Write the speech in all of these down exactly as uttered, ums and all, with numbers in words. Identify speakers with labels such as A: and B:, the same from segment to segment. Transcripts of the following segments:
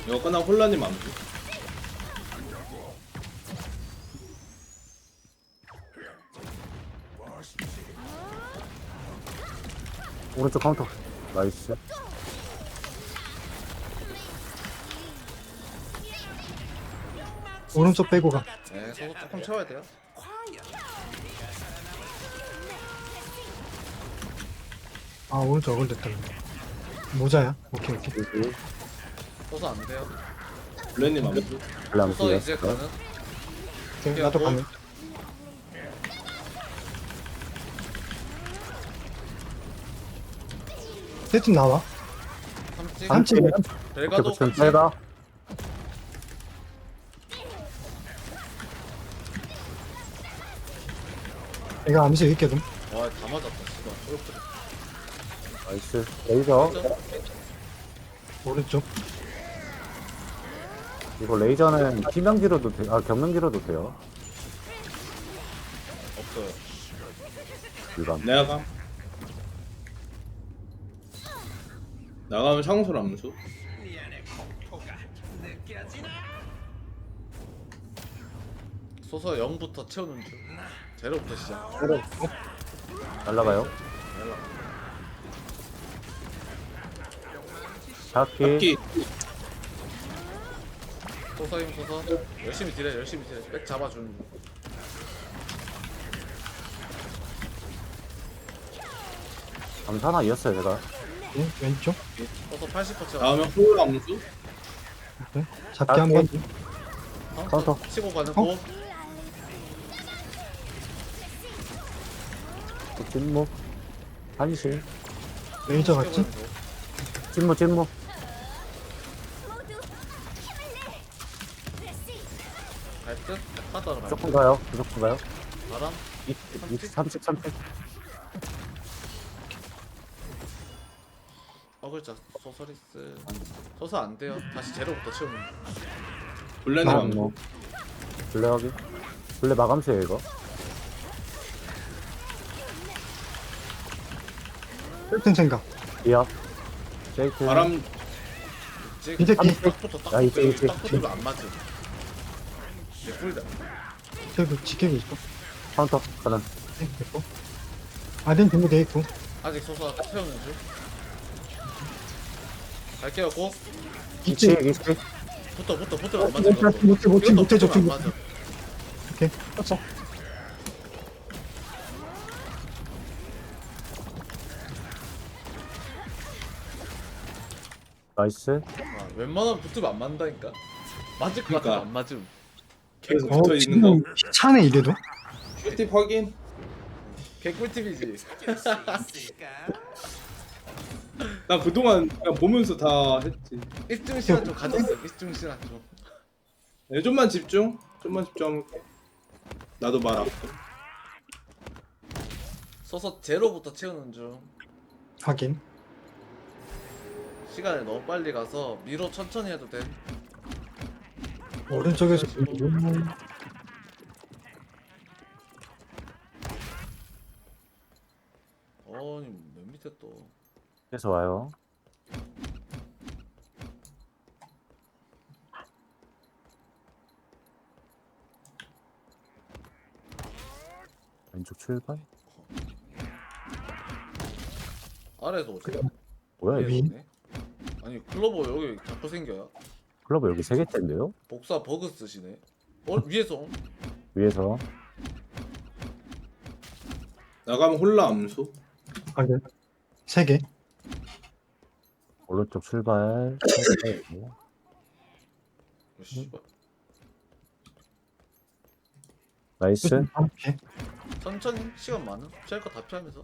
A: 이거 끝나고 혼란님 암수.
B: 오른쪽 카운터. 나이스.
C: 오른쪽 빼고 가.
D: 네, 소속 조금 채워야 돼요.
C: 아 오른쪽 어글 됐다. 모자야. 오케이 오케이.
B: 여기.
D: 소속 안 돼요.
A: 블랙님 암수.
B: 블람
D: 소속 이제
B: 뛰었어.
D: 가는.
C: 오케이 나도 가면. 세팀 나와.
D: 삼찍.
C: 삼찍.
D: 벨가도
B: 붙이면
D: 삼찍.
B: 빼다.
C: 내가 암수 있거든.
D: 와, 다 맞았다. 씨발. 초록색.
B: 나이스. 레이저.
C: 오른쪽.
B: 이거 레이저는 피명기로도 돼. 아 경명기로도 돼요.
D: 없어요.
B: 일반.
A: 내가 감. 나가면 창술 암수.
D: 소속 영부터 채우는 중. 제로부터 시작.
B: 날라가요. 잡기.
A: 잡기.
D: 소속 힘 소속. 열심히 딜해, 열심히 딜해. 백 잡아주는 중.
B: 감사나 이었어요 제가.
C: 네, 왼쪽.
D: 소속 팔십 퍼센트 채워.
A: 다음에 홀 암수.
C: 오케이. 잡기 한 번.
B: 카운터.
D: 치고 가는
C: 어?
D: 고.
B: 찐무. 한실.
C: 레이저 같지?
B: 찐무 찐무.
D: 갈듯 하다가 말.
B: 무조건 가요. 무조건 가요.
D: 바람.
B: 삼십 삼십.
D: 어글자 소서리스. 소서 안 돼요. 다시 제로부터 채우는 중.
A: 블랙님
B: 아,
A: 암수.
B: 뭐. 블레 확인. 블레 마감수예요 이거.
C: 셀튼 생각.
B: 이어. 쉐이크.
A: 바람.
C: 이제 뒤.
D: 딱부터 딱
B: 야, 이제, 이제.
D: 딱 붙으면 안 맞음. 이제 꿀다.
C: 저도 지키고 있어.
B: 카운터 가는.
C: 네, 됐고. 아덴 준비돼 있고.
D: 아직 소서 채우는 중. 갈게요 고.
B: 이치
C: 있지.
B: 이치.
D: 붙어 붙어 붙어 안 맞아.
C: 못해, 못해, 못해, 못해,
D: 붙어 안
C: 못해.
D: 맞아.
C: 오케이. 떴어.
B: 나이스.
D: 아, 웬만하면 붙으면 안 맞는다니까. 맞을 것
A: 그러니까.
D: 같아 안 맞음.
A: 계속
C: 어,
A: 붙어 있는
C: 지금
A: 거.
C: 차네 이래도.
A: 꿀팁 확인.
D: 개꿀팁이지.
A: 나 그동안 그냥 보면서 다 했지.
D: 일등 시간 좀 가졌어. 일등 시간 좀.
A: 네, 좀만 집중. 좀만 집중할게. 나도 말아.
D: 서서 제로부터 채우는 중.
C: 확인.
D: 시간이 너무 빨리 가서 미로 천천히 해도 돼.
C: 오른쪽에서
D: 어니 맨 밑에 또.
B: 그래서 와요. 왼쪽 출발.
D: 아래에서 오지.
B: 뭐야 이거?
C: 위?
D: 오네. 아니 클로버 여기 자꾸 생겨요.
B: 클럽 여기 세 개째인데요?
D: 복사 버그 쓰시네. 어 위에서 옴?
B: 위에서.
A: 나가면 홀라 암수.
C: 확인. 세 개.
B: 오른쪽 출발.
D: 어, 씨발.
B: 나이스.
C: 오케이.
D: 천천히 시간 많음. 피할 거 다 피하면서.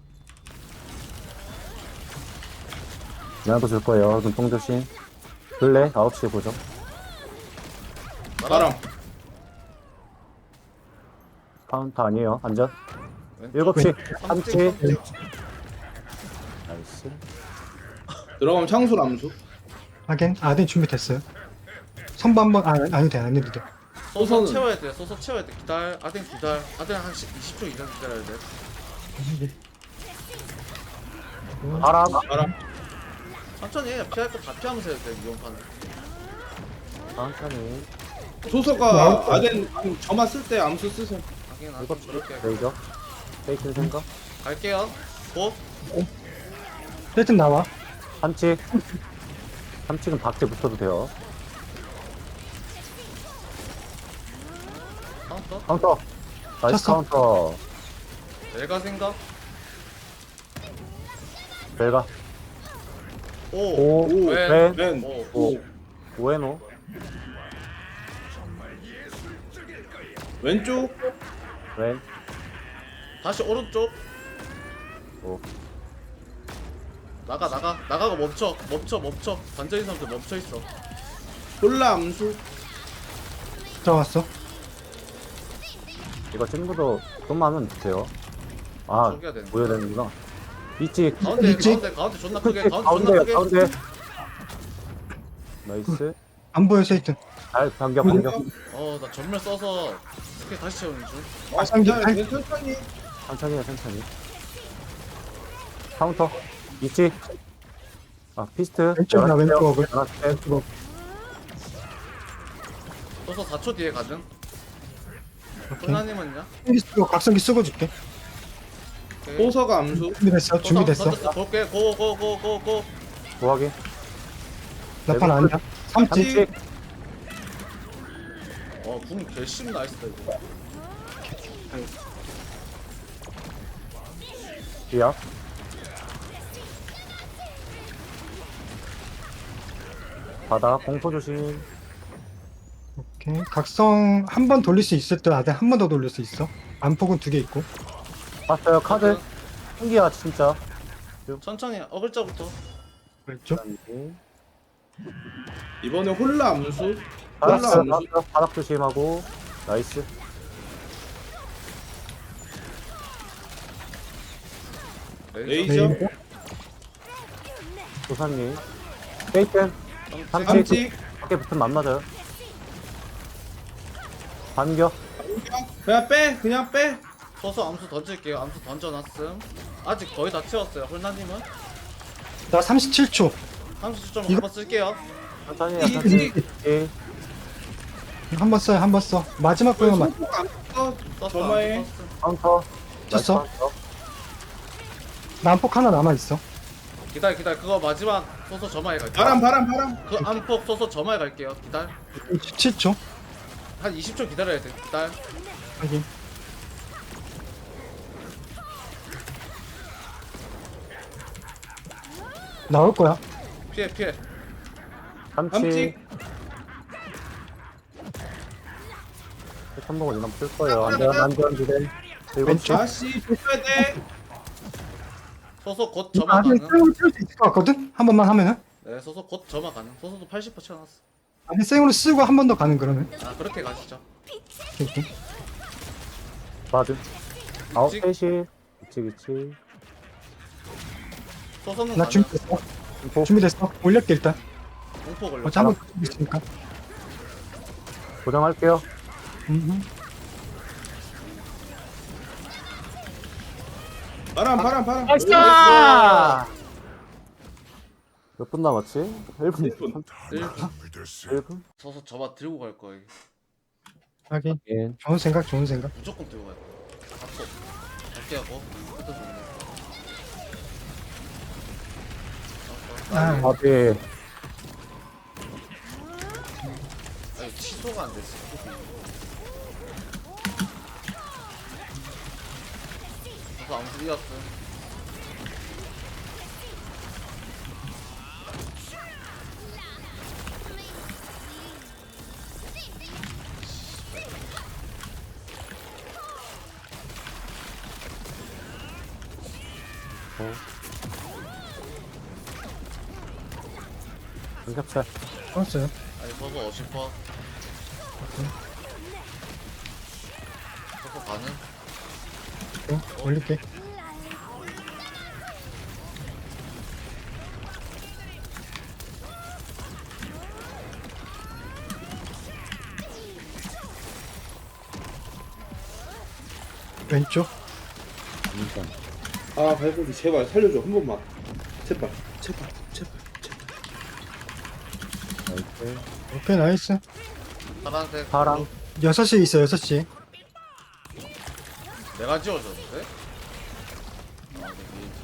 B: 나도 줄 거예요. 눈뽕 조심. 블레 아홉 시에 보죠.
A: 바람.
B: 카운터 아니에요. 안전.
D: 왼쪽.
B: 일곱 시. 삼
D: 삼찍,
B: 시.
D: 삼찍.
B: 나이스.
A: 들어가면 창술 암수.
C: 확인. 아덴 준비됐어요. 선부 한번 아 아니 돼. 안 해도 돼.
D: 소서
A: 소서는-
D: 채워야 돼. 소서 채워야 돼. 기다려. 아덴 기다려. 아덴 한 이십 초 이상 기다려야 돼.
B: 바람.
A: 바람.
D: 천천히 해. 피할 거 다 피하면서 해야 돼. 이번 판은.
B: 천천히.
A: 소서가 아덴 아니, 저만 쓸 때 암수 쓰세요.
D: 하긴 안
B: 일곱
D: 그렇게
B: 레이저. 페이튼 생각.
D: 갈게요. 고.
C: 세트 나와.
B: 삼칙. 삼칙은 밖에 붙어도 돼요.
D: 카운터.
B: 카운터. 나이스
C: 쳤어.
B: 카운터.
D: 내가 생각.
B: 벨가.
D: 오.
B: 오.
A: 오,
B: 왼.
A: 왼,
D: 오.
A: 오.
B: 오에노.
A: 왼쪽,
B: 왼.
D: 다시 오른쪽.
B: 오.
D: 나가 나가 나가고 멈춰 멈춰 멈춰. 관절인 사람들 멈춰 있어.
A: 홀라 암수.
C: 들어왔어.
B: 이거 친구도 좀만 하면 돼요. 아,
D: 저기야 되는
B: 보여야
D: 거야.
B: 되는구나. 이치.
D: 가운데
C: 있지?
D: 가운데 가운데 존나 크게 가운데 존나
B: 가운데,
D: 크게.
B: 가운데. 나이스.
C: 안 보여 세이튼.
B: 잘 반격, 반격.
D: 어나 전멸 써서 스킬 다시 채우는 중.
A: 아,
C: 상대
A: 자,
C: 팔-
A: 네, 천천히.
B: 천천히 해, 천천히. 카운터. 이치. 아, 피스트.
C: 왼쪽이나 왼쪽을.
B: 하나, 셋.
D: 써서 사 초 뒤에 가능.
C: 오케이.
D: 혼나님은요?
C: 각성기 쓰고 각성기 쓰고 줄게.
D: 오케이.
A: 소서가 암수.
C: 준비됐어. 준비됐어.
D: 던졌어. 볼게. 고고고고고.
B: 뭐하게?
C: 나판 아니야. 삼지.
B: 삼칙.
D: 어, 궁 개심 나이스다 이거.
B: 뒤야. 바다, 공포 조심.
C: 오케이. 각성 한 번 돌릴 수 있을 때 아대 한 번 더 돌릴 수 있어. 안폭은 두 개 있고.
B: 봤어요, 카드. 신기하, 진짜.
D: 천천히 어글자부터.
C: 왼쪽.
A: 이번에 홀라 암수.
B: 바닥,
A: 홀라 암수.
B: 바닥, 바닥 조심하고. 나이스.
D: 레이저.
A: 레이저.
C: 레이저.
B: 조사님. 페이튼. 삼칙.
A: 삼치.
B: 밖에 붙으면 안 맞아요. 반격.
A: 그냥 빼, 그냥 빼.
D: 서서 암수 던질게요. 암수 던져놨음. 아직 거의 다 채웠어요. 홀나님은
C: 나 삼십칠 초.
D: 삼십 점
C: 이거-
D: 한번 쓸게요.
B: 천천히 해,
A: 이-
B: 천천히.
A: 이-
B: 예.
C: 한 번 써요. 한 번 써. 마지막 거만.
A: 소서가 암수 써.
D: 썼어.
A: 저마에.
D: 암수 썼음.
B: 카운터.
C: 쳤어.
B: 나이스 카운터.
C: 나 안폭 하나 남아 있어.
D: 기다려 기다려. 그거 마지막 서서 저마에 갈게요.
A: 바람, 바람, 바람.
D: 그 안폭 서서 저마에 갈게요. 기다려.
C: 십칠 초.
D: 한 이십 초 기다려야 돼. 기다려.
C: 확인. 나올 거야.
D: 피해 피해.
B: 삼칙.
A: 삼치.
B: 한복은 이만 쓸 거예요. 안전, 안전, 기대. 일곱 시.
A: 다시 조져야 돼.
D: 서서 곧 저마
C: 아대
D: 가능.
C: 생으로 쓸 수 있을 것 같거든. 한 번만 하면은.
D: 네, 서서 곧 저마 가능. 서서도 팔십 퍼센트 채워놨어.
C: 아대 생으로 쓰고 한 번 더 가는 그러면.
D: 아 그렇게 가시죠.
C: 오케이.
B: 맞음. 아홉
D: 일찍.
B: 셋이. 이치, 이치.
D: 서서는
C: 나
D: 가능.
C: 준비됐어.
B: 공포.
C: 준비됐어. 올렸게 일단.
D: 공포 걸려.
C: 어차피 한번 준비했으니까.
B: 고정할게요.
C: 음.
A: 바람, 바람, 바람.
B: 몇 분 남았지? 일 분.
A: 일 분.
D: 일 분.
B: 일 분?
D: 서서 저마 들고 갈 거예요.
C: 하긴.
B: 예.
C: 좋은 생각, 좋은 생각.
D: 무조건 들고 갈 거예요. 앞서. 갈게요. 고. 그때 좋네.
C: 아.
D: 아,
B: 바비.
D: 아니 취소가 안 됐어. 그래서 아무튼 이었어.
B: 삼겹살.
C: 좋았어요.
D: 아니 서서 오십 퍼. 서서 가는.
C: 오케이. 올릴게. 왼쪽.
B: 인정.
A: 아, 발고기 제발 살려줘 한 번만. 제발, 제발, 제발, 제발.
B: 나이스.
C: 오케이 나이스.
D: 파란색.
B: 파랑.
C: 여섯 시에 있어 여섯 시.
D: 내가 지워줬는데? 아, 네, 게이지.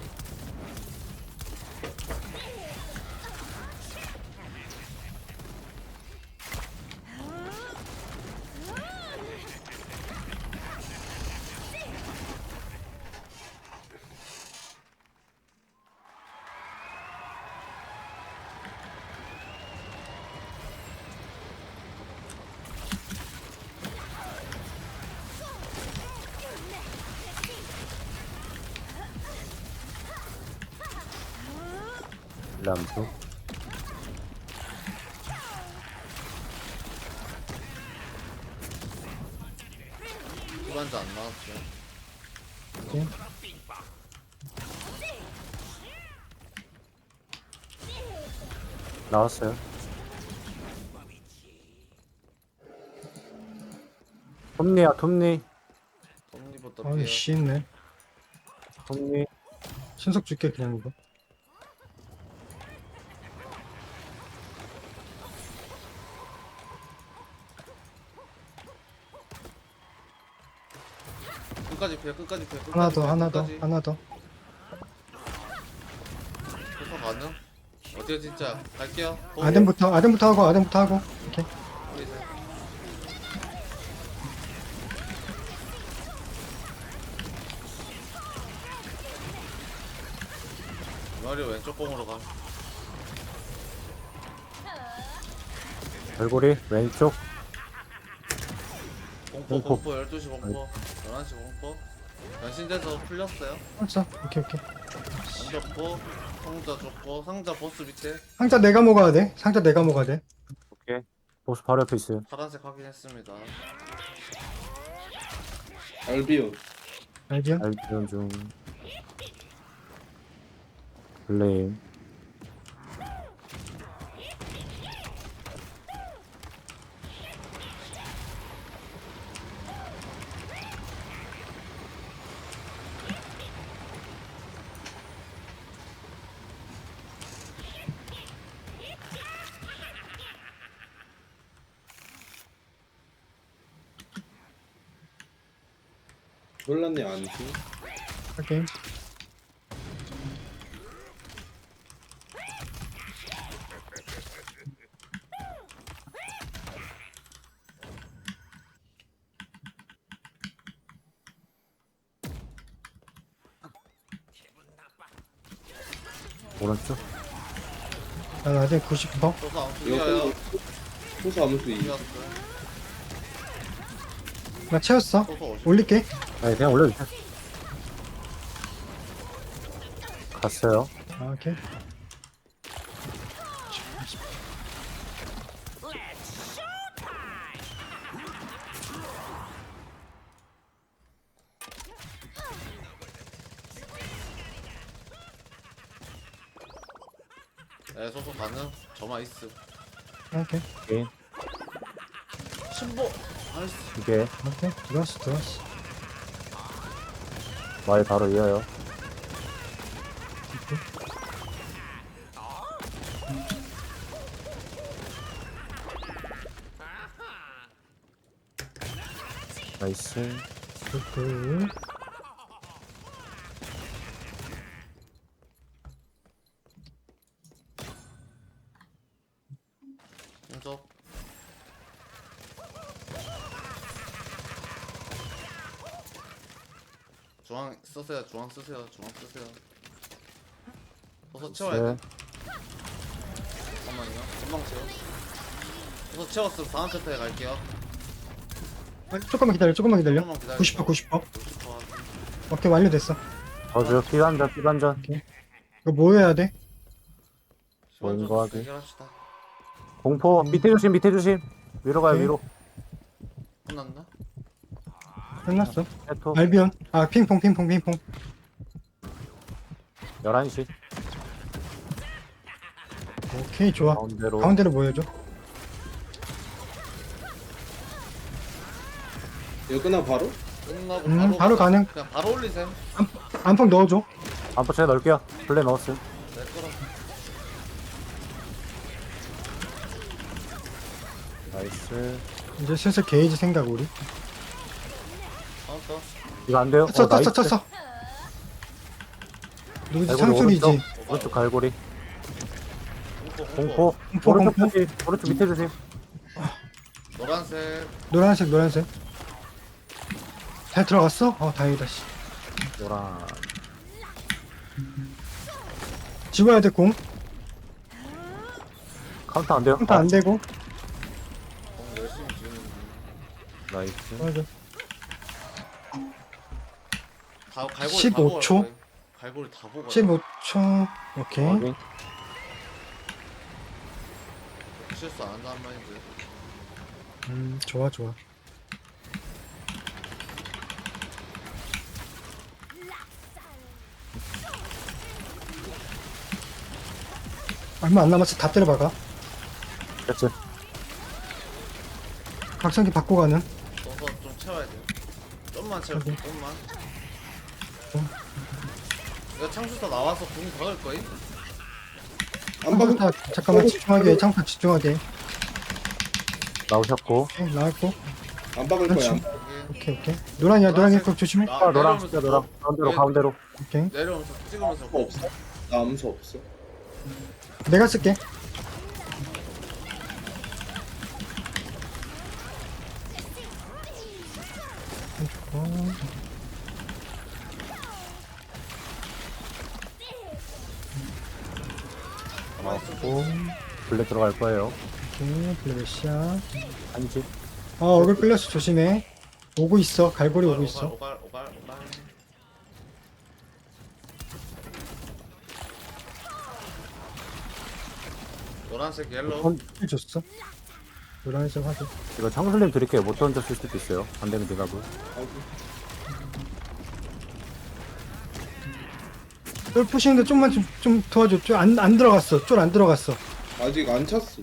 B: 람수.
D: 후반자 안 나왔어요.
C: 오케이.
B: 나왔어요. 톱니야, 톱니.
D: 톱니부터
C: 아이
D: 피해.
C: 씨 있네.
B: 톱니.
C: 신속 줄게 그냥 이거.
D: 끝까지 피해, 끝까지 피해. 끝까지
C: 하나 더
D: 피해,
C: 하나 더
D: 끝까지.
C: 하나 더.
D: 소서 가능? 어때요 진짜? 갈게요. 보고.
C: 아덴부터 아덴부터 하고 아덴부터 하고. 오케이.
D: 우리 이제. 마리오 왼쪽 공으로 가.
B: 얼굴이 왼쪽.
D: 공포
B: 공포.
D: 공포 열두 시 공포 열한 시 공포 변신돼서 풀렸어요.
C: 알았어. 오케이 오케이.
D: 던졌고 상자 줬고 상자 보스 밑에
C: 상자 내가 먹어야 돼. 상자 내가 먹어야 돼.
B: 오케이. 보스 바로 옆에 있어요.
D: 파란색 확인했습니다.
A: 알비온.
C: 알비온.
B: 알비온 중. 블레임.
A: 놀랐네 안지.
C: 오케이.
B: 오른쪽.
C: 난 아덴 구십 퍼.
D: 소서 안
A: 이거
D: 풀려요.
A: 소수 아무수 이.
D: 풀렸어요.
C: 나 채웠어.
D: 소서 오십.
C: 올릴게.
B: 아니, 그냥 올려주세요. 갔어요.
C: 아, 오케이.
D: 네 소서 가능. 저만 있음.
C: 오케이.
B: 오케이.
D: 신보. 나이스.
B: 이게
C: 오케이. 들어왔어 들어왔어.
B: 말 바로 이어요. 나이스.
C: 그
D: 연속. 중앙 쓰세요. 중앙 쓰세요. 중앙 쓰세요. 소서 채워야
B: 네.
D: 돼. 잠깐만요. 금방 채워. 소서 채웠으면 다음 챕터에 갈게요.
C: 아, 조금만 기다려. 조금만 기다려.
D: 조금만 기다려.
C: 구십 퍼 구십 퍼.
D: 구십 퍼 확인.
C: 오케이 완료됐어.
B: 저주 피반전 피반전.
C: 이거 뭐 해야 돼?
D: 시간 좀
B: 뭔가 하게.
D: 해결합시다.
B: 공포 밑에 조심 밑에 조심. 위로 가요
C: 오케이.
B: 위로.
D: 끝났나?
C: 끝났어.
B: 해토
C: 알비온. 아 핑퐁 핑퐁 핑퐁.
B: 열한 시
C: 오케이 좋아.
B: 가운데로.
C: 가운데로 모여줘.
A: 이거 끝나고 바로?
D: 끝나고
C: 음
D: 바로
C: 바로 가능.
D: 그냥 바로 올리셈.
C: 안폭 넣어줘.
B: 안포 제가 넣을게요. 블레 넣었음.
D: 네 끌어.
B: 나이스.
C: 이제 슬슬 게이지 생각 우리.
D: 카운터.
B: 이거 안 돼요?
C: 쳤어
B: 어, 나이스.
C: 쳤어 쳤어. 누구지?
B: 갈고리
C: 창술이지.
B: 오른쪽, 오른쪽 갈고리.
D: 공포
B: 공포.
C: 공포,
B: 오른쪽
C: 공포.
B: 표시. 오른쪽 밑에 주세요.
D: 노란색.
C: 노란색 노란색. 잘 들어갔어? 어 다행이다 씨.
B: 노란.
C: 집어야 돼 공.
B: 카운터 안 돼요?
C: 컴퓨터 안 되고.
D: 공 열심히 지우는 중.
B: 나이스.
C: 맞아.
D: 다 갈고리
C: 십오 초?
D: 다 보고 갈고리 다 보고.
C: 십오 초. 오케이.
B: 확인.
D: 실수 안 한다는 말인데.
C: 음 좋아 좋아. 얼마 안 남았어. 다 때려박아.
B: 됐지.
C: 각성기 받고 가는.
D: 써서 좀 채워야 돼요. 좀만 채워.
C: 오케이.
D: 좀만.
C: 어.
D: 이거 창수사 나와서 궁 박을 거임?
A: 안 박은
C: 다 잠깐만 집중하게. 창파 집중하게.
B: 나오셨고.
C: 오케이, 나왔고.
A: 안 박을
C: 그렇지.
A: 거야.
D: 여기
C: 오케이 오케이. 노란이야 노란이 꼭 조심해.
D: 나-
B: 아, 노랑.
D: 내려오면서
B: 진짜 노랑.
D: 또-
B: 가운데로,
D: 예,
B: 가운데로.
C: 오케이.
D: 내려오면서 찍으면서
A: 암수 없어? 나 암수 없어.
C: 내가 쓸게. 어,
D: 가만히 있어.
B: 나왔고. 블랙 들어갈 거예요.
C: 오케이. 블랙시야.
B: 한지.
C: 아 얼굴 끌렸어. 조심해. 오고 있어. 갈고리 오고 있어.
D: 오갈 오갈 오갈. 노란색 옐로우.
B: 선-
C: 힐 줬어. 노란색 하죠.
B: 이거 창술님 드릴게요. 못 던졌을 수도 있어요. 안 되면 대답을.
C: 쫄 푸시는데 좀만 좀, 좀 도와줘. 쫄안 안 들어갔어. 쫄 안 들어갔어.
A: 아직 안 찼어.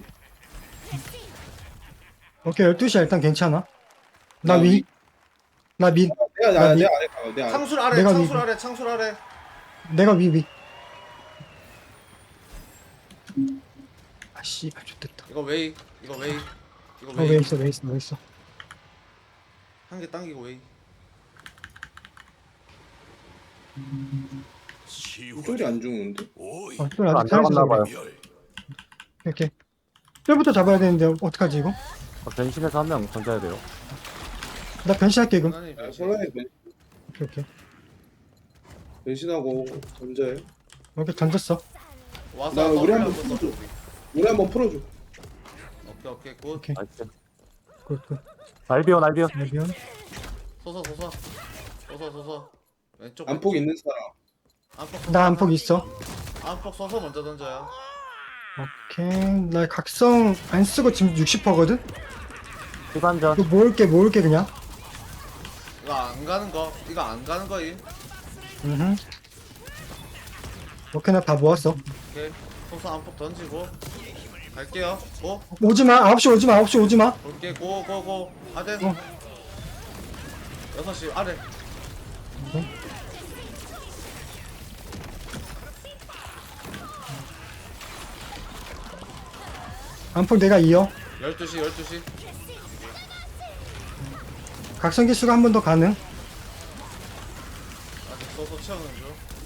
C: 오케이 열두 시야 일단 괜찮아. 나
A: 나
C: 위.
A: 위.
C: 나 위.
A: 내가
C: 나
A: 나,
C: 미-
A: 내 아래 가. 내 아래.
D: 창술 아래
C: 내가
D: 창술
C: 위-
D: 아래 창술 아래.
C: 내가 위 위. 아 씨발 좋됐다.
D: 이거 웨이 이거 웨이 이거
C: 어 왜
D: 웨이
C: 있어 왜 있어 왜 있어.
D: 한 개 당기고 웨이.
A: 쫄이 안 죽는데?
C: 어, 쫄
B: 안
C: 아직 살아있어.
B: 들어갔나 봐요.
C: 이렇게. 쫄부터 잡아야 되는데 어떡하지 이거?
B: 어, 변신해서 한 명 던져야 돼요.
C: 나 변신할게 이거.
D: 하나님
A: 아,
D: 변신.
A: 설라에 변-
C: 오케이 오케이.
A: 변신하고 던져요.
C: 오케이 던졌어.
D: 와서
A: 나
D: 와서
A: 우리 한번
D: 올라가서.
A: 풀어줘. 우리 한번 풀어줘.
D: 오케이 오케이 굿.
C: 오케이.
B: 나이스.
C: 굿굿.
B: 날비오, 날비오.
C: 알비온.
D: 서서 서서 서서 서서 왼쪽
A: 안폭 있는 사람.
D: 안폭
C: 나 안폭 있어.
D: 안폭 서서 먼저 던져요.
C: 오케이. 나 각성 안 쓰고 지금 육십 퍼거든.
B: 시간전.
C: 이거 모을게 모을게 그냥.
D: 이거 안 가는 거 이거 안 가는 거임.
C: 음. 오케이 나 다 모았어.
D: 오케이 서서 안폭 던지고 갈게요. 고
C: 오지마. 아홉 시 오지마. 아홉 시 오지마.
D: 볼게 고고고 아덴.
C: 어.
D: 여섯 시 아래.
C: 안폭 내가 이어.
D: 열두 시 열두 시.
C: 각성 기수가 한 번 더 가능.
D: 아직 서서 채우는 중.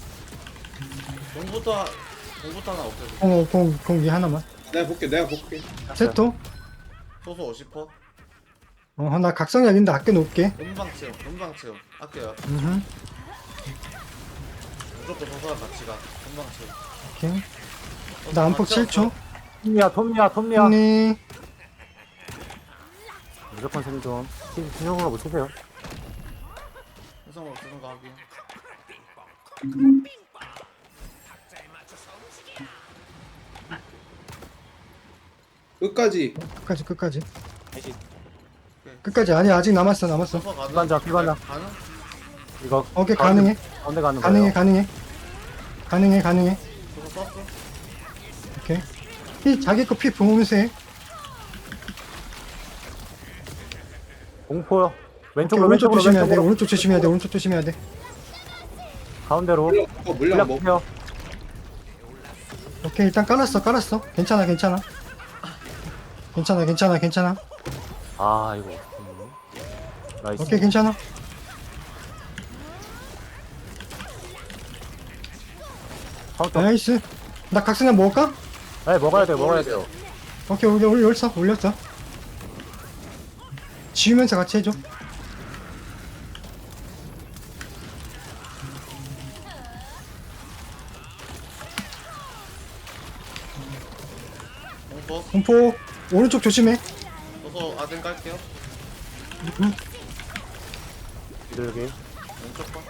D: 공부터 공부터 하나 없애줘.
C: 공, 공, 공기 하나만.
A: 내가 볼게. 내가 볼게.
C: 세토.
D: 소소 오십 퍼.
C: 어, 나 각성 약인데 아껴 놓을게.
D: 금방 채움 금방 채움. 아껴요.
C: 음.
D: 무조건 소소랑 같이 가. 금방 채움.
C: 오케이.
D: 서서
C: 나 안폭
D: 다 채웠어.
C: 칠 초.
B: 톰미야, 톰미야, 톰미야.
C: 언니.
B: 무조건 생존. 신용으로 못 치세요.
D: 해성으로 쓰는 거 하긴.
A: 끝까지.
C: 끝까지 끝까지.
D: 오케이.
C: 끝까지 아니 아직 남았어 남았어.
D: 서서 가능.
B: 기관장, 기관장.
D: 가능?
B: 이거.
C: 오케이
B: 가운데-
C: 가능해.
B: 가운데 가는
C: 가능해
B: 거예요.
C: 가능해. 가능해 가능해.
D: 소소 썼어.
C: 오케이. 피 자기 거 피 보면서 해.
B: 공포요.
C: 오케이,
B: 왼쪽으로,
C: 오른쪽
B: 왼쪽으로,
C: 조심해야 돼.
B: 왼쪽으로.
C: 오른쪽 조심해야 돼. 오른쪽 조심해야 돼.
B: 가운데로.
A: 물량 먹어. 물량
B: 물약
A: 먹어.
B: 주세요.
C: 오케이 일단 깔았어 깔았어. 괜찮아 괜찮아. 괜찮아 괜찮아 괜찮아.
B: 아 이거 어떡해. 나이스.
C: 오케이, 괜찮아.
B: 카운터.
C: 나이스. 나 각성량 먹을까?
B: 네 먹어야 돼요 먹어야 돼요.
C: 오케이, 올려, 올려, 올렸어, 올렸어. 지우면서 같이 해줘.
D: 공포.
C: 공포, 오른쪽 조심해.
D: 서서 아덴 깔게요.
B: 비둘기.
D: 왼쪽 봐.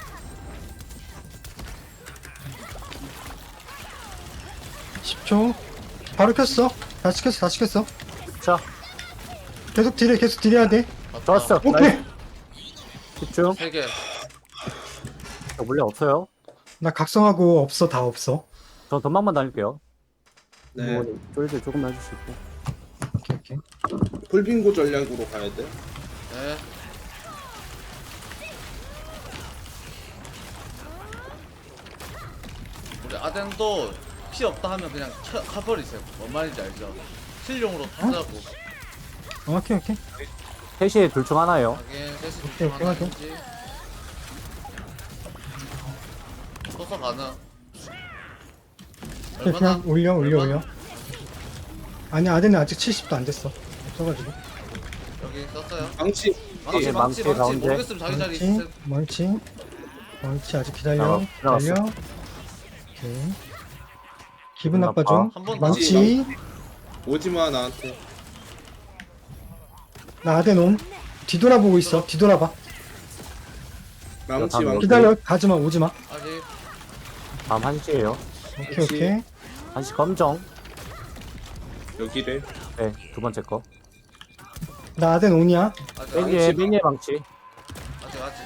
C: 십 초. 바로 켰어. 다시 켰어, 다시 켰어.
B: 자
C: 계속 딜해, 계속 딜해야 돼.
D: 갔다.
B: 좋았어.
C: 오케이.
B: 나이스. 집중.
D: 세 개.
B: 저 물량 없어요.
C: 나 각성하고 없어, 다 없어.
B: 저 전망만 다닐게요.
A: 네.
B: 뭐, 쫄들 조금 해줄 수 있고.
C: 오케이, 오케이.
A: 풀빙고 전략으로 가야 돼.
D: 네. 우리 아덴도 피 없다 하면 그냥 쳐, 가버리세요. 뭔 말인지 알죠? 실용으로 하자고.
C: 오케이, 오케이.
B: 셋이 둘 중 하나예요.
D: 하긴 셋이
C: 오케이,
D: 둘중
C: 오케이,
D: 하나인지. 서서 가능.
C: 오케이, 그냥 올려, 올려, 올려. 아니, 아덴은 아직 칠십도 안 됐어. 없어가지고.
D: 여기 썼어요.
A: 망치.
D: 망치,
B: 예,
D: 망치,
B: 망치
D: 망치.
B: 가운데.
D: 모르겠으면 자기 자리
C: 멀치,
D: 있으세요.
C: 멀치. 멀치, 아직 기다려.
B: 자, 들어갔어.
C: 기다려. 오케이. 기분 나빠
B: 나빠.
C: 좀.
D: 한번
C: 망치.
A: 오지마 나한테.
C: 나 아덴 옴. 뒤돌아보고 있어. 뒤돌아봐.
A: 망치
B: 다음
A: 망치.
C: 기다려. 가지마, 오지마.
D: 아직
B: 다음 한시에요.
C: 오케이,
A: 그치.
C: 오케이.
B: 한시 검정.
A: 여기래.
B: 네, 두 번째 거.
C: 나 아덴 온이야.
D: 아직
B: 맨위에,
D: 아직
B: 맨위에 망치.
D: 아직 아직.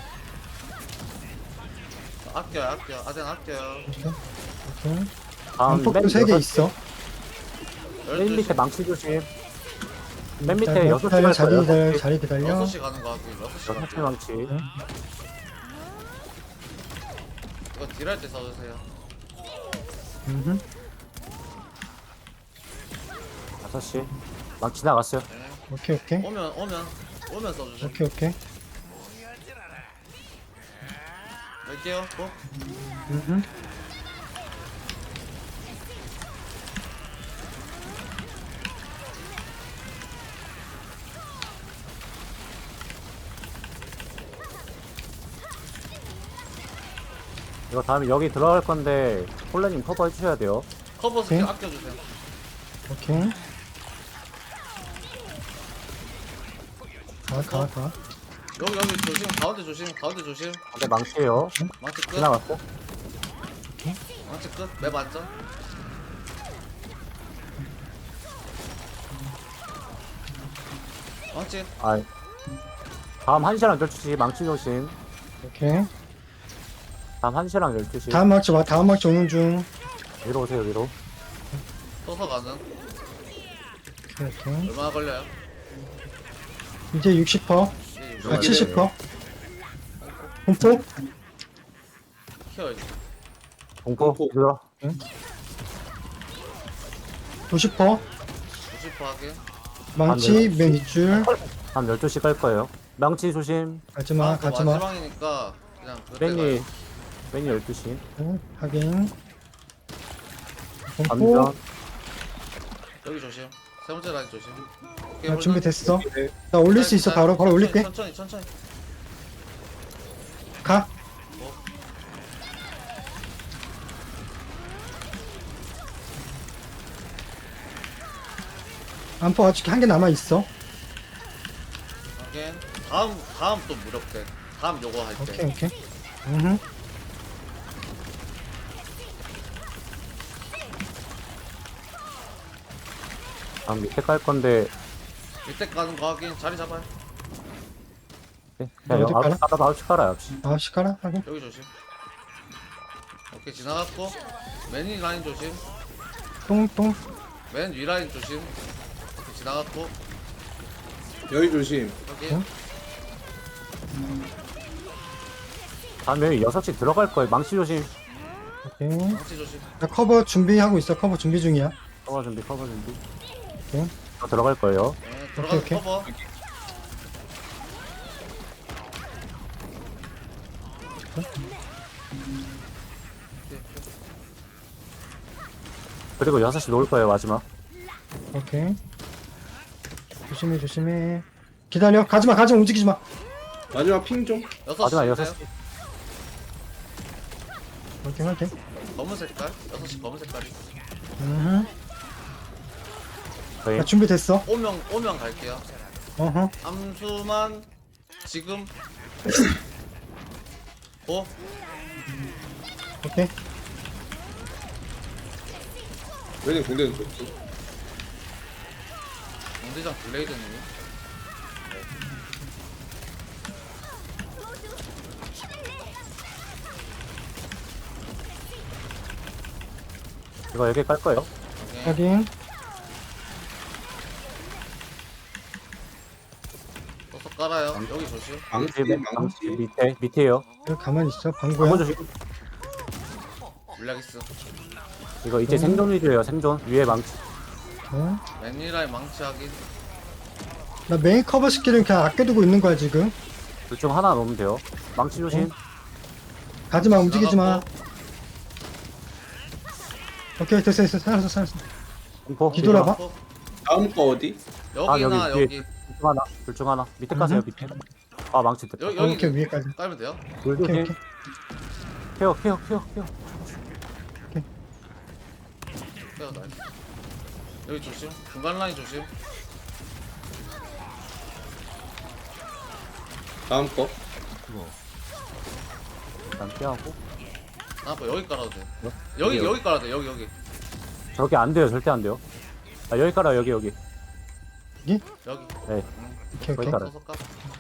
D: 아껴요, 아껴. 아덴 아껴요.
C: 오케이.
B: 다음
C: 안폭도
B: 맨
C: 세 개
B: 여섯-
C: 있어.
B: 맨 밑에 망치 조심. 맨 밑에
C: 기다려,
B: 여섯 시
C: 기다려,
B: 갈
C: 자리
B: 거예요.
C: 기다려, 자리 기다려.
D: 여섯 시 가는 거 같아. 여섯 시
B: 여섯
D: 가는
B: 시
D: 거.
B: 망치.
D: 이거 딜할 때 써주세요.
C: 음흠.
B: 다섯 시. 망치 나갔어요.
D: 네.
C: 오케이, 오케이.
D: 오면 오면 오면 써주세요.
C: 오케이, 오케이.
D: 갈게요. 고.
C: 음흠.
B: 이거 다음에 여기 들어갈 건데 폴레님 커버해 주셔야 돼요.
D: 커버 스킬
C: 오케이.
D: 아껴주세요.
C: 오케이. 가, 가, 가.
D: 여기 여기 조심. 가운데 조심. 가운데 조심.
B: 근데 망치예요.
D: 망치 끝.
B: 지나갔고.
D: 망치 끝. 맵 안전. 망치.
B: 아. 다음 한시랑 열두 시 망치 조심.
C: 오케이.
B: 다음 한시랑 열두 시.
C: 다음 막지 와, 다음 막지 오는 중.
B: 위로 오세요 위로.
D: 서서 가는.
C: 오케이, 오케이.
D: 얼마나 걸려요?
C: 이제 육십 퍼센트.
D: 이제
C: 아,
D: 육십
C: 칠십 퍼센트. 공포?
D: 키워야지.
B: 공포
A: 공포.
B: 들어.
C: 구십 퍼센트.
D: 구십 퍼 하게.
C: 망치, 맨 윗줄.
B: 다음 열두 시 갈 거예요. 망치 조심.
C: 가지마,
D: 아, 그
C: 가지마.
D: 마지막이니까 그냥 그때
B: 맨이
D: 가요.
B: 맨이 열두 시.
C: 응, 확인. 공포.
B: 감전.
D: 여기 조심. 세 번째 라인 조심. 오케이,
C: 나
D: 홀드.
C: 준비됐어.
A: 여기래.
C: 나 올릴 수 있어. 바로, 바로 올릴게.
D: 천천히, 천천히.
C: 가. 안포 아직 한 개 남아있어.
D: 오케이. 다음 다음 또 무력대. 다음 요거 할 때.
C: 오케이, 오케이. 음
B: 다음 밑에 깔 건데
D: 밑에 가는 거 하긴 자리 잡아요.
B: 네, 그냥
C: 어디
B: 아홉
C: 깔아?
B: 시 깔아도 아홉 시 깔아요. 아홉 시.
C: 아, 시카라? 하긴.
D: 여기 조심. 오케이 지나갔고 맨 위 라인 조심.
C: 똥, 똥.
D: 맨 위 라인 조심. 오케이 지나갔고
A: 여기 조심.
D: 여기
C: 응?
B: 다음 여기 여섯 시 들어갈 거예요. 망치 조심.
C: 오케이.
D: 망치 조심.
C: 나 커버 준비하고 있어. 커버 준비 중이야.
B: 커버 준비 커버 준비.
C: 오케이.
B: 저 들어갈 거예요.
D: 네, 들어가서
C: 오케이, 오케이.
D: 커버.
B: 그리고 여섯 시 놓을 거예요, 마지막.
C: 오케이. 조심해 조심해. 기다려. 가지마 가지마 움직이지 마.
A: 마지막 핑 좀.
D: 여섯
B: 마지막
D: 시
B: 여섯
D: 있나요?
B: 시.
C: 오케이 오케이.
D: 검은 색깔? 여섯 시 검은 색깔이.
C: 음.
B: 저희
C: 나 준비됐어.
D: 오면 오면 갈게요.
C: 어허.
D: 암수만 지금. 고.
C: 오케이.
A: 왜냐면 공대는 좋지.
D: 공대장 블레이드님.
B: 이거 여기 깔 거예요.
D: 오케이.
C: 확인.
D: 또서 깔아요. 여기 조심.
A: 망치
B: 뒤에
A: 망치.
B: 망치 밑에 밑에요.
C: 여기 가만히 있어. 방구야.
B: 방어 조심.
D: 블랙이스.
B: 이거 이제
C: 음.
B: 생존 위주예요. 생존 위에 망치.
C: 어?
D: 맨니라인 망치 하긴.
C: 나 메인 커버 스킬은 그냥 아껴두고 있는 거야 지금.
B: 둘 중 하나 놓으면 돼요. 망치 조심.
C: 가지마 움직이지 마.
D: 나갔고.
C: 오케이 됐어 됐어 살았어 살았어.
B: 공포.
C: 뒤돌아봐.
D: 어,
A: 다음 거 어디?
D: 여기나
B: 아, 여기
D: 여기.
B: 뒤에. 둘 중 하나. 둘 중 하나. 밑에 가세요.
C: 음.
B: 밑에. 아 망치 됐다.
D: 여기
C: 어,
D: 여기
C: 오케이 위에까지.
D: 깔면 돼요?
B: 둘
C: 오케이
B: 조심.
C: 오케이.
B: 케어 케어 케어 케어.
D: 빼요 나이스. 여기 조심. 중간 라인 조심.
A: 다음 거.
B: 일단 피하고.
D: 아, 뭐 여기 깔아도 돼.
B: 뭐?
D: 여기
B: 여기,
D: 여기 깔아도 돼. 여기 여기.
B: 저기 안 돼요. 절대 안 돼요. 아 여기 깔아 여기 여기.
D: 여기.
B: 네.
C: 오케이
B: 거기
C: 오케이.
B: 깔아.
D: 소속 깔.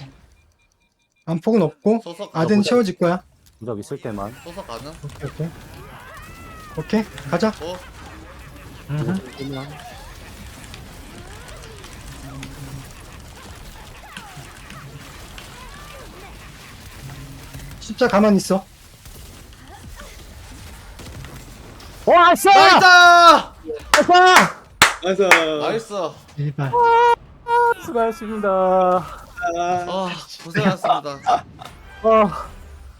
C: 안폭은 없고
D: 소속
C: 아덴
B: 보자.
C: 채워질 거야.
B: 무적 있을 때만.
D: 소속 가능.
C: 오케이 오케이. 오케이 가자.
D: 고.
C: 음흠. 십자 가만히 있어.
B: 와 씨!
D: 나이스!
A: 나이스.
D: 나이스.
C: 일발.
B: 수고하셨습니다.
A: 아,
D: 아, 고생하셨습니다.
B: 아,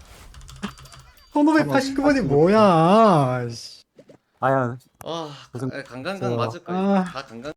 C: 천오백팔십구 번이 뭐야? 씨.
B: 아야
D: 아,
B: 고생-
D: 강강강 맞을 거예요.
C: 아.
D: 다 강강.